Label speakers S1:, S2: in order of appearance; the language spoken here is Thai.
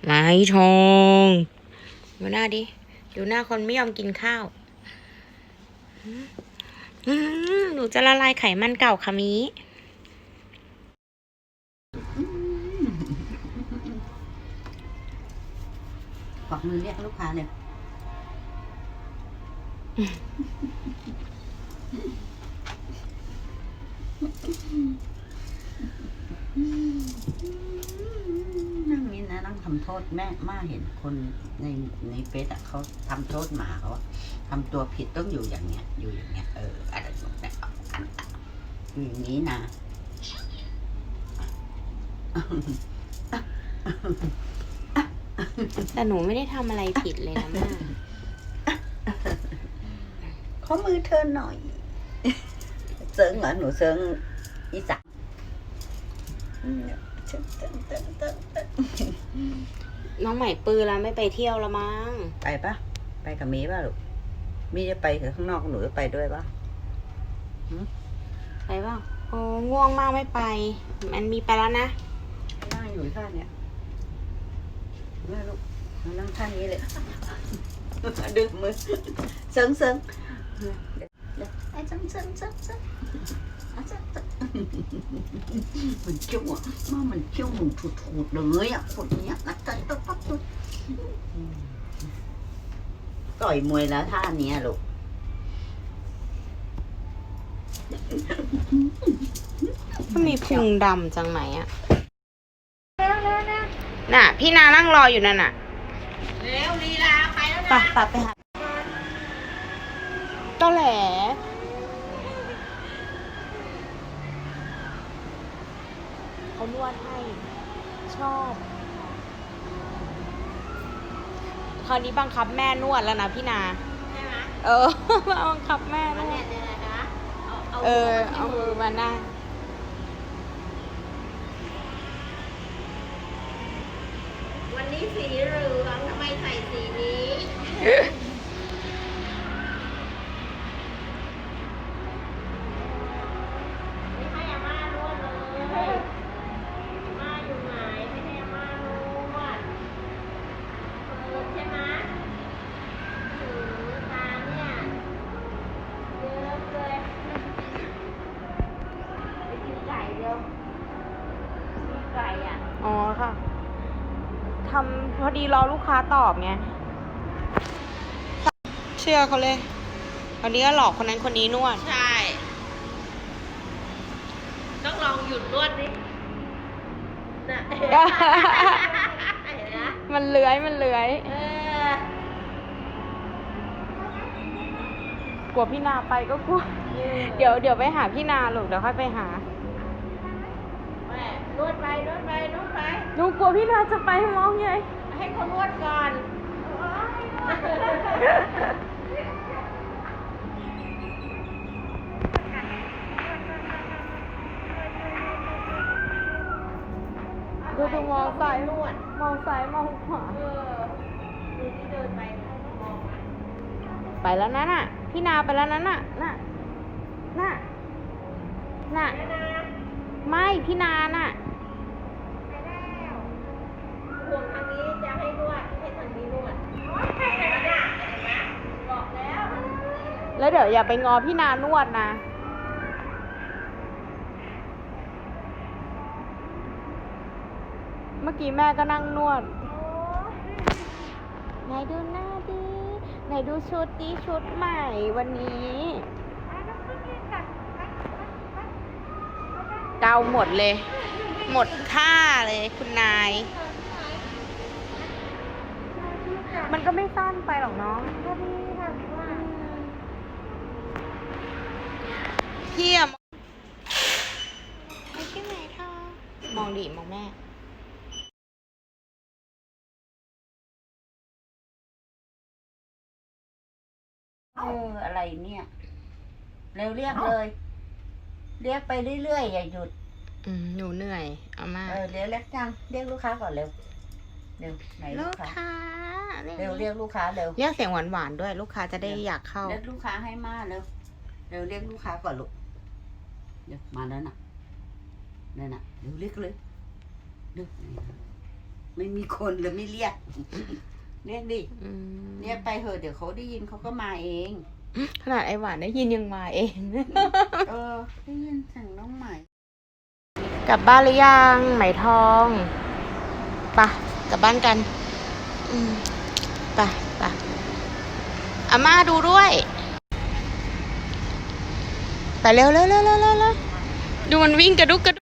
S1: ไม้ทองดูหน้าดิดูหน้าคนไม่ยอมกินข้าวหนูจะละลายไขมันเก่าค่ะมี
S2: กวักมือเรียกลูกค้าเลยนั่งนี่นะนั่งทำโทษแม่ม่าเห็นคนในเฟซเขาทำโทษหมาเขาทำตัวผิดต้องอยู่อย่างเงี้ยอยู่อย่างเงี้ยอะไรแบบนี้อยู่อย่างนี้นะ
S1: แต่หนูไม่ได้ทำอะไรผิดเลยนะแม่
S2: ขอมือเธอหน่อยเซิงเหรอหนูเซิงอีสาน
S1: น้องใหม่ปื้อแล้วไม่ไปเที่ยวแล้วมั้ง
S2: ไปปะไปกับมีป่ะลูกมีจะไปข้างนอกหนูจะไปด้วยปะ
S1: ไปเปล่าโอ้ง่วงมากไม่ไปมันมีไปแล้วนะ
S2: นั่งอยู่ท่าเนี้ยแม่ลูกมานั่งท่านี้เลยดึงมือเซิงไอ้เซิงมันเขี้ยวอ่ะมันเขี้ยวมึงถูดเลยอ่ะคนเนี้ยนัดกันปั๊บต่อยมวยแล้วท่านี้ลูก
S1: มันมีพุงดำจังไหนอ่ะน่ะพี่นานั่งรออยู่นั่นน่ะ
S2: เร็วลีลาไปแล้วนะ
S1: ตัดไปหาก็แหละเขานวดให้ชอบคราวนี้บังคับแม่นวดแล้วนะพี่นา
S2: ใช่ไหม
S1: บังคับแม่นวดเอามือมาหน้า
S2: วันนี้สีเหลืองทำไมใส่สีนี้ไม่ให้อาม่านวดเลยอาม่าอยู่ไหนไม่ให้อาม่านวดใช่ไหมตาเนี่ยเยอะเลยไปกินไก่เดียวมีไก่อ่ะ
S1: อ๋อค่ะทำพอดีรอลูกค้าตอบไงเชื่อเขาเลยวันนี้ก็หลอกคนนั้นคนนี้นวด
S2: ใช่ต้องลองหยุดนวดดิน่ะเห็นไหม
S1: มันเลื้อยกลัวพี่นาไปก็กลัวเดี๋ยวไปหาพี่นาลูกเดี๋ยวค่อยไปหา
S2: แม่นวดไป
S1: หนูกลัวพี่นาจะไปมองไง
S2: ให้เขานวดก่อน
S1: ดูมองซ้ายมองขวา
S2: ดูที่เดินไปมอง
S1: ไปแล้วนั่นน่ะพี่นาไปแล้วนั่นน่ะไม่พี่นาน่ะ
S2: ห่วงทางนี้จะให้นวดให้ทางนี้นวดบอก
S1: แล้วเดี๋ยวอย่าไปงอพี่นานวดนะเมื่อกี้แม่ก็นั่งนวดไหนดูหน้าดิไหนดูชุดดิชุดใหม่วันนี้เกาหมดเลยหมดท่าเลยคุณนายมันก็ไม่สั้นไปหรอกน้องพี่อะไม่ใช่ไหมท่ามองดิมองแม่
S2: อะไรเนี่ยเร็วเรียกเลยเรียกไปเรื่อยๆอย่าหยุด
S1: หนูเหนื่อยเอามา
S2: เรียกจังเรียกลูกค้าก่อนเร็วไหนลูกค้าเร็วเรียกลูกค้าเร็ว
S1: เรียกเสียงหวานๆด้วยลูกค้าจะได้อยากเข้า
S2: เรียกลูกค้าให้มาเร็วเรียกลูกค้าก่อนลูกเดี๋ยวมาแล้วน่ะนั่นน่ะเร็วเรียกเลยเร็วไม่มีคนเลยไม่เรียก เรียกดิ
S1: อืม
S2: เรียกไปเถอะเดี๋ยวเขาได้ยินเขาก็มาเอง
S1: ขนาดไอหวานได้ยินยังมาเอง
S2: ได้ยินเสียงน้องใหม่
S1: กลับบ้านหรือยังไหมทองไปะกลับบ้านกันไปอาม่าดูด้วยไปเร็วดูมันวิ่งกระดุกกระดุก